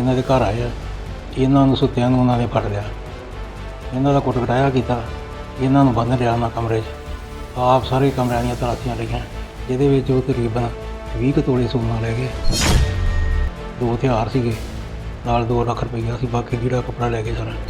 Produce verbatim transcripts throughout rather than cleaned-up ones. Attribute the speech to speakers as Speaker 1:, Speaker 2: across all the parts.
Speaker 1: ਇਹਨਾਂ ਦੇ ਘਰ ਆਏ ਆ, ਇਹਨਾਂ ਨੂੰ ਸੁੱਤਿਆਂ ਨੂੰ ਉਹਨਾਂ ਨੇ ਫੜ ਲਿਆ, ਇਹਨਾਂ ਦਾ ਕੁੱਟ ਕਟਾਇਆ ਕੀਤਾ, ਇਹਨਾਂ ਨੂੰ ਬੰਨ੍ਹ ਲਿਆ ਉਹਨਾਂ ਕਮਰੇ 'ਚ। ਆਪ ਸਾਰੇ ਕਮਰਿਆਂ ਦੀਆਂ ਤਲਾਸ਼ੀਆਂ ਲਈਆਂ, ਜਿਹਦੇ ਵਿੱਚ ਉਹ ਤਕਰੀਬਨ ਵੀਹ ਕੁ ਤੋਲੇ ਸੋਨਾ ਲੈ ਗਏ, ਦੋ ਹਥਿਆਰ ਸੀਗੇ ਨਾਲ ਦੋ ਲੱਖ ਰੁਪਈਆ ਸੀ, ਬਾਕੀ ਜਿਹੜਾ ਕੱਪੜਾ ਲੈ ਕੇ ਸਾਰਾ।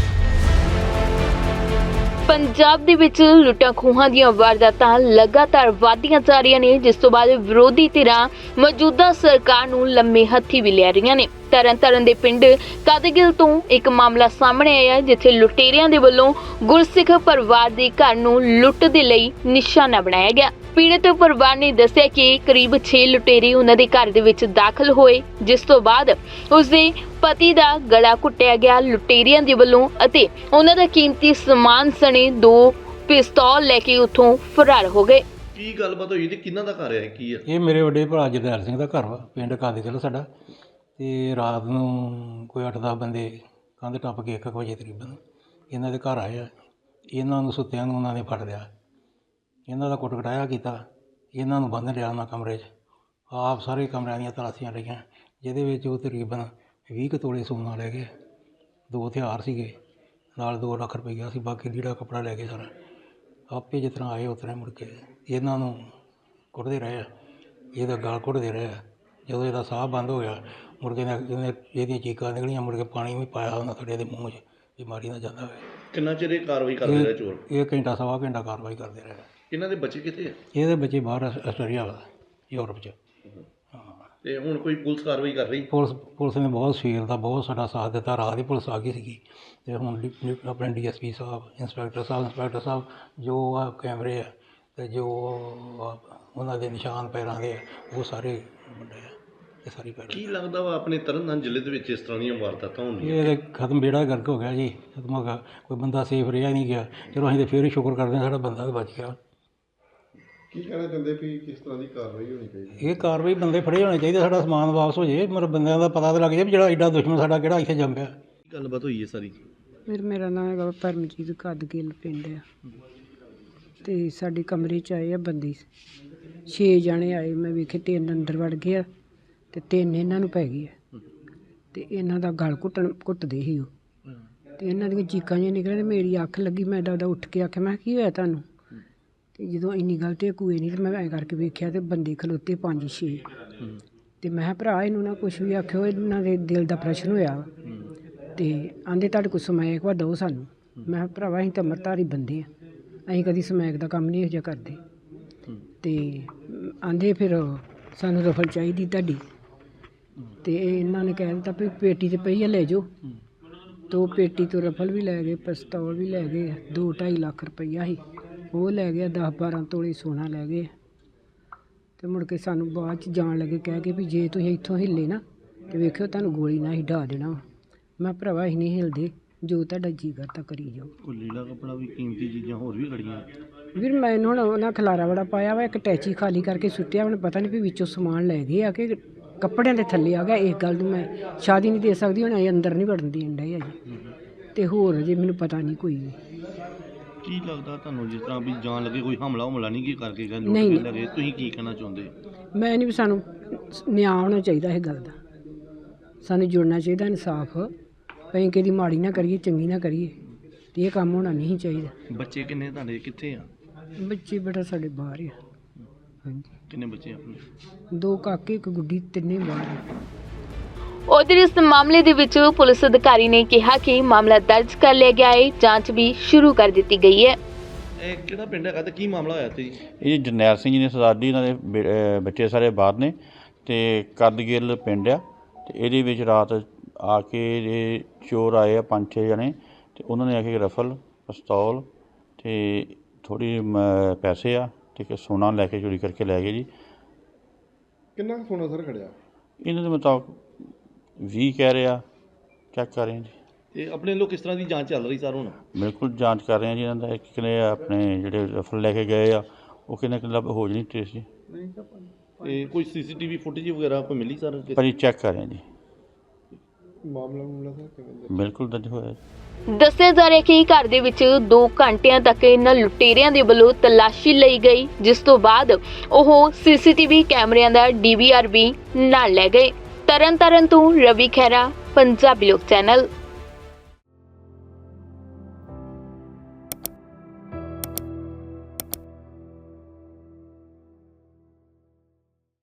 Speaker 2: ਪੰਜਾਬ ਦੇ ਵਿੱਚ ਲੁੱਟਾਂ ਖੋਹਾਂ ਦੀਆਂ ਵਾਰਦਾਤਾਂ ਲਗਾਤਾਰ ਵਧਦੀਆਂ ਜਾ ਰਹੀਆਂ ਨੇ, ਜਿਸ ਤੋਂ ਬਾਅਦ ਵਿਰੋਧੀ ਧਿਰਾਂ ਮੌਜੂਦਾ ਸਰਕਾਰ ਨੂੰ ਲੰਮੇ ਹੱਥੀ ਵੀ ਲੈ ਰਹੀਆਂ ਨੇ। ਤਰਨ ਤਾਰਨ ਦੇ ਪਿੰਡ ਕਾਦੇਗਿਲ ਤੋਂ ਇੱਕ ਮਾਮਲਾ ਸਾਹਮਣੇ ਆਇਆ, ਜਿੱਥੇ ਲੁਟੇਰਿਆਂ ਦੇ ਵੱਲੋਂ ਗੁਰਸਿੱਖ ਪਰਿਵਾਰ ਦੇ ਘਰ ਨੂੰ ਲੁੱਟ ਦੇ ਲਈ ਨਿਸ਼ਾਨਾ ਬਣਾਇਆ ਗਿਆ। ਪੀੜਤ ਪਰਿਵਾਰ ਨੇ ਦੱਸਿਆ ਕਿ ਕਰੀਬ ਛੇ ਲੁਟੇਰੇ ਉਹਨਾਂ ਦੇ ਘਰ ਦੇ ਵਿੱਚ ਦਾਖਲ ਹੋਏ, ਜਿਸ ਤੋਂ ਬਾਅਦ ਉਸਦੇ ਪਤੀ ਦਾ ਗਲਾ ਘੁੱਟਿਆ ਗਿਆ ਲੁਟੇਰਿਆਂ ਦੇ ਵੱਲੋਂ ਅਤੇ ਉਹਨਾਂ ਦਾ ਕੀਮਤੀ ਸਮਾਨ ਸਣੇ ਦੋ ਪਿਸਤੌਲ ਲੈ ਕੇ ਉੱਥੋਂ ਫਰਾਰ ਹੋ ਗਏ।
Speaker 3: ਕੀ ਗੱਲਬਾਤ ਹੋਈ ਤੇ ਕਿਹਨਾਂ ਦਾ ਘਰ ਹੈ, ਕੀ ਆ?
Speaker 1: ਇਹ ਮੇਰੇ ਵੱਡੇ ਭਰਾ ਜਰਨੈਲ ਸਿੰਘ ਦਾ ਘਰ ਵਾ, ਪਿੰਡ ਕਾਦੇਗਿਲ ਸਾਡਾ। ਤੇ ਰਾਤ ਨੂੰ ਕੋਈ ਅੱਠ ਦਸ ਬੰਦੇ ਕੰਧ ਟੱਪ ਕੇ ਇੱਕ ਕੁ ਵਜੇ ਤਕਰੀਬਨ ਇਹਨਾਂ ਦੇ ਘਰ ਆਏ ਆ, ਇਹਨਾਂ ਨੂੰ ਸੁੱਤਿਆਂ ਨੂੰ ਉਹਨਾਂ ਨੇ ਫੜ ਲਿਆ, ਇਹਨਾਂ ਦਾ ਕੁੱਟ ਕਟਾਇਆ ਕੀਤਾ, ਇਹਨਾਂ ਨੂੰ ਬੰਨ੍ਹ ਲਿਆ ਉਹਨਾਂ ਕਮਰੇ 'ਚ। ਆਪ ਸਾਰੇ ਕਮਰਿਆਂ ਦੀਆਂ ਤਲਾਸ਼ੀਆਂ ਲਈਆਂ, ਜਿਹਦੇ ਵਿੱਚ ਉਹ ਤਕਰੀਬਨ ਵੀਹ ਕੁ ਤੋਲੇ ਸੋਨਾ ਲੈ ਗਏ, ਦੋ ਹਥਿਆਰ ਸੀਗੇ ਨਾਲ ਦੋ ਲੱਖ ਰੁਪਈਆ ਸੀ, ਬਾਕੀ ਜਿਹੜਾ ਕੱਪੜਾ ਲੈ ਕੇ ਸਾਰਾ। ਆਪੇ ਜਿਸ ਤਰ੍ਹਾਂ ਆਏ ਉਸ ਤਰ੍ਹਾਂ ਮੁੜ ਕੇ ਇਹਨਾਂ ਨੂੰ ਕੁੱਟਦੇ ਰਹੇ ਆ, ਇਹਦਾ ਗਲ ਘੁੱਟਦੇ ਰਹੇ ਆ। ਜਦੋਂ ਇਹਦਾ ਸਾਹ ਬੰਦ ਹੋ ਗਿਆ ਮੁੜ ਕੇ ਇਹਨੇ ਇਹਦੀਆਂ ਚੀਕਾਂ ਨਿਕਲੀਆਂ, ਮੁੜ ਕੇ ਪਾਣੀ ਵੀ ਪਾਇਆ ਉਹਨਾਂ ਥੋੜ੍ਹੇ ਦੇ ਮੂੰਹ 'ਚ, ਬਿਮਾਰੀ ਨਾ ਜਾਂਦਾ ਹੋਵੇ।
Speaker 3: ਕਿੰਨਾ ਚਿਰ ਇਹ ਕਾਰਵਾਈ ਕਰਦੇ ਰਹੇ ਚੋਰ?
Speaker 1: ਇਹ ਘੰਟਾ ਸਵਾ ਘੰਟਾ ਕਾਰਵਾਈ ਕਰਦੇ ਰਹੇ।
Speaker 3: ਇਹਨਾਂ ਦੇ ਬੱਚੇ ਕਿੱਥੇ ਆ?
Speaker 1: ਇਹਦੇ ਬੱਚੇ ਬਾਹਰ ਆਸਟ੍ਰੇਲੀਆ ਵਾ, ਯੂਰਪ 'ਚ। ਹਾਂ,
Speaker 3: ਤੇ ਹੁਣ ਕੋਈ ਪੁਲਿਸ ਕਾਰਵਾਈ ਕਰ ਰਹੀ?
Speaker 1: ਪੁਲਿਸ ਪੁਲਿਸ ਨੇ ਬਹੁਤ ਸਵੇਰ ਦਾ ਬਹੁਤ ਸਾਡਾ ਸਾਥ ਦਿੱਤਾ। ਰਾਤ ਦੀ ਪੁਲਿਸ ਆ ਗਈ ਸੀਗੀ, ਅਤੇ ਹੁਣ ਡੀ- ਡੀ- ਆਪਣੇ ਡੀ ਐਸ ਪੀ ਸਾਹਿਬ, ਇੰਸਪੈਕਟਰ ਸਾਹਿਬ ਇੰਸਪੈਕਟਰ ਸਾਹਿਬ ਜੋ ਆ ਕੈਮਰੇ ਆ ਅਤੇ ਜੋ ਆ ਉਹਨਾਂ ਦੇ ਨਿਸ਼ਾਨ ਪੈਰਾਂ ਦੇ ਆ, ਉਹ ਸਾਰੇ ਮੁੰਡੇ ਆ, ਇਹ ਸਾਰੀ ਪੈਰ।
Speaker 3: ਕੀ ਲੱਗਦਾ ਵਾ ਆਪਣੇ ਤਰਨਤਾਰਨ ਜ਼ਿਲ੍ਹੇ ਦੇ ਵਿੱਚ ਇਸ ਤਰ੍ਹਾਂ ਦੀਆਂ ਵਾਰਦਾਤਾਂ ਹੁੰਦੀਆਂ?
Speaker 1: ਇਹ ਖਤਮ, ਬੇੜਾ ਗਰਕ ਹੋ ਗਿਆ ਜੀ, ਖਤਮ ਹੋ ਗਿਆ, ਕੋਈ ਬੰਦਾ ਸੇਫ ਰਿਹਾ ਨਹੀਂ ਗਿਆ। ਚਲੋ ਅਸੀਂ ਤਾਂ ਫਿਰ ਵੀ ਸ਼ੁਕਰ ਕਰਦੇ ਹਾਂ ਸਾਡਾ ਬੰਦਾ ਤਾਂ ਬਚ ਗਿਆ।
Speaker 4: ਕੀ ਕਹਿਣਾ ਚਾਹੁੰਦੇ ਵੀ ਕਿਸ ਤਰ੍ਹਾਂ ਦੀ ਕਾਰਵਾਈ ਹੋਣੀ ਚਾਹੀਦੀ?
Speaker 1: ਇਹ ਕਾਰਵਾਈ ਬੰਦੇ ਫੜੇ ਹੋਣੇ ਚਾਹੀਦੇ, ਸਾਡਾ ਸਮਾਨ ਵਾਪਸ ਹੋ ਜਾਏ, ਮਤਲਬ ਬੰਦਿਆਂ ਦਾ ਪਤਾ ਤਾਂ ਲੱਗ ਜਾਏ ਵੀ ਜਿਹੜਾ ਐਡਾ ਦੁਸ਼ਮਣ ਸਾਡਾ ਕਿਹੜਾ ਇੱਥੇ ਜੰਮ ਪਿਆ।
Speaker 3: ਕੀ ਗੱਲਬਾਤ ਹੋਈ ਹੈ ਸਾਰੀ?
Speaker 5: ਮੇਰਾ ਮੇਰਾ ਨਾਮ ਹੈਗਾ ਪਰਮਜੀਤ ਕਾਦੇਗਿਲ ਪਿੰਡ ਆ, ਅਤੇ ਸਾਡੇ ਕਮਰੇ 'ਚ ਆਏ ਆ ਬੰਦੇ, ਛੇ ਜਣੇ ਆਏ। ਮੈਂ ਵੇਖੇ ਤਿੰਨ ਅੰਦਰ ਵੜ ਗਏ ਆ ਅਤੇ ਤਿੰਨ ਇਹਨਾਂ ਨੂੰ ਪੈ ਗਏ ਆ, ਅਤੇ ਇਹਨਾਂ ਦਾ ਗਲ ਘੁੱਟਣ ਘੁੱਟਦੇ ਸੀ ਉਹ, ਅਤੇ ਇਹਨਾਂ ਦੀਆਂ ਚੀਕਾਂ ਜਿਹੀਆਂ ਨਿਕਲੀਆਂ, ਅਤੇ ਮੇਰੀ ਅੱਖ ਲੱਗੀ। ਮੈਂ ਦਾਦਾ ਉੱਠ ਕੇ ਆਖਿਆ, ਮੈਂ ਕੀ ਹੋਇਆ ਤੁਹਾਨੂੰ? ਅਤੇ ਜਦੋਂ ਇੰਨੀ ਗੱਲ ਤੇ ਕੋਈ ਨਹੀਂ, ਅਤੇ ਮੈਂ ਐਂ ਕਰਕੇ ਵੇਖਿਆ ਅਤੇ ਬੰਦੇ ਖਲੋਤੇ ਪੰਜ ਛੇ, ਅਤੇ ਮੈਂ ਕਿਹਾ ਭਰਾ ਇਹਨੂੰ ਨਾ ਕੁਛ ਵੀ ਆਖਿਓ, ਇਹਨਾਂ ਦੇ ਦਿਲ ਦਾ ਪ੍ਰਸ਼ਨ ਹੋਇਆ ਵਾ, ਅਤੇ ਆਂਦੇ ਤੁਹਾਡੇ ਕੋਲ ਸਮੈਕ ਵਾ ਦਿਓ ਸਾਨੂੰ। ਮੈਂ ਕਿਹਾ ਭਰਾਵਾ ਅਸੀਂ ਤਾਂ ਅੰਮ੍ਰਿਤਧਾਰੀ ਬੰਦੇ ਆ, ਅਸੀਂ ਕਦੀ ਸਮੈਕ ਦਾ ਕੰਮ ਨਹੀਂ ਇਹੋ ਜਿਹਾ ਕਰਦੇ। ਅਤੇ ਆਂਦੇ ਫਿਰ ਸਾਨੂੰ ਰਫਲ ਚਾਹੀਦੀ ਤੁਹਾਡੀ, ਅਤੇ ਇਹਨਾਂ ਨੇ ਕਹਿ ਦਿੱਤਾ ਵੀ ਪੇਟੀ 'ਤੇ ਪਈ ਆ ਲੈ ਜਾਓ। ਅਤੇ ਉਹ ਪੇਟੀ ਤੋਂ ਰਫਲ ਵੀ ਲੈ ਗਏ, ਪਿਸਤੌਲ ਵੀ ਲੈ ਗਏ, ਦੋ ਢਾਈ ਲੱਖ ਰੁਪਈਆ ਸੀ ਉਹ ਲੈ ਗਿਆ, ਦਸ ਬਾਰਾਂ ਤੋਲੇ ਸੋਨਾ ਲੈ ਗਏ। ਅਤੇ ਮੁੜ ਕੇ ਸਾਨੂੰ ਬਾਅਦ 'ਚ ਜਾਣ ਲੱਗੇ ਕਹਿ ਕੇ ਵੀ ਜੇ ਤੁਸੀਂ ਇੱਥੋਂ ਹਿੱਲੇ ਨਾ ਅਤੇ ਵੇਖਿਓ ਤੁਹਾਨੂੰ ਗੋਲੀ ਨਾਲ ਹੀ ਢਾਹ ਦੇਣਾ ਵਾ। ਮੈਂ ਭਰਾਵਾ ਅਸੀਂ ਨਹੀਂ ਹਿਲਦੇ, ਜੋ ਤੁਹਾਡਾ ਜੀ ਕਰਦਾ ਕਰੀ ਜਾਓ।
Speaker 3: ਕੋਈ ਲੀੜਾ ਕੱਪੜਾ ਵੀ, ਕੀਮਤੀ ਚੀਜ਼ਾਂ ਹੋਰ ਵੀ ਖੜੀਆਂ?
Speaker 5: ਵੀਰ ਮੈਨੂੰ ਹੁਣ ਉਹਨਾਂ ਖਲਾਰਾ ਬੜਾ ਪਾਇਆ ਵਾ, ਇੱਕ ਟੈਚੀ ਖਾਲੀ ਕਰਕੇ ਸੁੱਟਿਆ, ਹੁਣ ਪਤਾ ਨਹੀਂ ਵੀ ਵਿੱਚੋਂ ਸਮਾਨ ਲੈ ਗਏ ਆ ਕਿ ਕੱਪੜਿਆਂ ਦੇ ਥੱਲੇ ਆ ਗਿਆ। ਇਸ ਗੱਲ ਨੂੰ ਮੈਂ ਸ਼ਾਦੀ ਨਹੀਂ ਦੇ ਸਕਦੀ, ਹੁਣ ਅਸੀਂ ਅੰਦਰ ਨਹੀਂ ਵੜਨ ਦੇਣ ਡਏ ਅਜੇ, ਅਤੇ ਹੋਰ ਅਜੇ ਮੈਨੂੰ ਪਤਾ ਨਹੀਂ ਕੋਈ ਵੀ।
Speaker 3: ਕੀ ਲੱਗਦਾ ਤੁਹਾਨੂੰ ਜਿਸ ਤਰ੍ਹਾਂ ਵੀ ਜਾਣ ਲੱਗੇ ਕੋਈ ਹਮਲਾ ਹਮਲਾ ਨਹੀਂ ਕੀ ਕਰਕੇ ਗਏ,
Speaker 5: ਨਹੀਂ,
Speaker 3: ਲੁੱਟ ਕੇ ਲੱਗੇ, ਤੁਸੀਂ ਕੀ ਕਹਿਣਾ ਚਾਹੁੰਦੇ?
Speaker 5: ਮੈਂ ਨਹੀਂ ਵੀ ਸਾਨੂੰ ਨਿਆਂ ਹੋਣਾ ਚਾਹੀਦਾ ਇਹ ਗੱਲ ਦਾ, ਸਾਨੂੰ ਜੁੜਨਾ ਚਾਹੀਦਾ ਇਨਸਾਫ। ਅਸੀਂ ਕਿਹਦੀ ਮਾੜੀ ਨਾ ਕਰੀਏ, ਚੰਗੀ ਨਾ ਕਰੀਏ, ਅਤੇ ਇਹ ਕੰਮ ਹੋਣਾ ਨਹੀਂ ਚਾਹੀਦਾ।
Speaker 3: ਬੱਚੇ ਕਿੰਨੇ ਤੁਹਾਡੇ, ਕਿੱਥੇ ਆ?
Speaker 5: ਬੱਚੇ ਬੇਟਾ ਸਾਡੇ ਬਾਹਰ ਆ। ਹਾਂਜੀ,
Speaker 3: ਕਿੰਨੇ ਬੱਚੇ ਆਪਣੇ?
Speaker 5: ਦੋ ਕਾਕੇ ਇੱਕ ਗੁੱਡੀ, ਤਿੰਨੇ ਬਾਹਰ ਆ।
Speaker 2: ਉਧਰ ਇਸ ਮਾਮਲੇ ਦੇ ਵਿੱਚ ਪੁਲਿਸ ਅਧਿਕਾਰੀ ਨੇ ਕਿਹਾ ਕਿ ਮਾਮਲਾ ਦਰਜ ਕਰ ਲਿਆ ਗਿਆ ਹੈ, ਜਾਂਚ ਵੀ ਸ਼ੁਰੂ ਕਰ ਦਿੱਤੀ ਗਈ ਹੈ।
Speaker 3: ਇਹ ਕਿਹੜਾ ਪਿੰਡ ਹੈਗਾ ਤੇ ਕੀ ਮਾਮਲਾ ਹੋਇਆ ਤੇ?
Speaker 6: ਇਹ ਜਰਨੈਲ ਸਿੰਘ ਜੀ ਨੇ ਸਰਦਾਰ ਜੀ, ਇਹਨਾਂ ਦੇ ਬੇ- ਅਹ ਬੱਚੇ ਸਾਰੇ ਬਾਹਰ ਨੇ, ਅਤੇ ਕਾਦੇਗਿਲ ਪਿੰਡ ਆ, ਅਤੇ ਇਹਦੇ ਵਿੱਚ ਰਾਤ ਆ ਕੇ ਇਹ ਚੋਰ ਆਏ ਆ ਪੰਜ ਛੇ ਜਣੇ, ਅਤੇ ਉਹਨਾਂ ਨੇ ਆ ਕੇ ਰਫਲ, ਪਿਸਤੌਲ ਅਤੇ ਥੋੜ੍ਹੀ ਪੈਸੇ ਆ ਅਤੇ ਇੱਕ ਸੋਨਾ ਲੈ ਕੇ ਚੋਰੀ ਕਰਕੇ ਲੈ ਗਏ ਜੀ।
Speaker 4: ਕਿੰਨਾ ਕੁ ਸੋਨਾ ਸਰ ਖੜਿਆ?
Speaker 6: ਇਹਨਾਂ ਦੇ ਮੁਤਾਬਕ ਵੀਹ ਕਹਿ ਰਿਹਾ, ਚੈੱਕ ਕਰ ਰਹੇ ਹਾਂ ਜੀ।
Speaker 3: ਤੇ ਆਪਣੇ ਵੱਲੋਂ ਕਿਸ ਤਰ੍ਹਾਂ ਦੀ ਜਾਂਚ ਚੱਲ ਰਹੀ ਸਰ ਹੁਣ?
Speaker 6: ਬਿਲਕੁਲ ਜਾਂਚ ਕਰ ਰਹੇ ਹਾਂ ਜੀ ਇਹਨਾਂ ਦਾ। ਇੱਕ ਕਿਨੇ ਆਪਣੇ ਜਿਹੜੇ ਰਫਲ ਲੈ ਕੇ ਗਏ ਆ ਉਹ ਕਿੰਨੇ ਕਿੰਨਾ ਹੋ ਜਾਣੀ ਟ੍ਰੇਸ ਜੀ,
Speaker 3: ਤੇ ਕੋਈ ਸੀਸੀਟੀਵੀ ਫੁਟੇਜ ਵਗੈਰਾ ਕੋਈ ਮਿਲੀ ਸਰ?
Speaker 6: ਪਰ ਚੈੱਕ ਕਰ ਰਹੇ ਹਾਂ ਜੀ।
Speaker 4: ਮਾਮਲਾ ਮਾਮਲਾ ਸਰ ਕਿਵੇਂ?
Speaker 6: ਬਿਲਕੁਲ ਦਰਜ ਹੋਇਆ ਜੀ।
Speaker 2: ਦੱਸਿਆ ਜਾ ਰਿਹਾ ਕਿ ਘਰ ਦੇ ਵਿੱਚ ਦੋ ਘੰਟਿਆਂ ਤੱਕ ਇਹਨਾਂ ਲੁਟੇਰਿਆਂ ਦੇ ਵੱਲੋਂ ਤਲਾਸ਼ੀ ਲਈ ਗਈ, ਜਿਸ ਤੋਂ ਬਾਅਦ ਉਹ ਸੀਸੀਟੀਵੀ ਕੈਮਰਿਆਂ ਦਾ ਡੀ ਵੀ ਆਰ ਵੀ ਨਾਲ ਲੈ ਗਏ। ਤਰਨ ਤਾਰਨ ਤੋਂ ਰਵੀ ਖਹਿਰਾ, ਪੰਜਾਬੀ ਲੋਕ ਚੈਨਲ।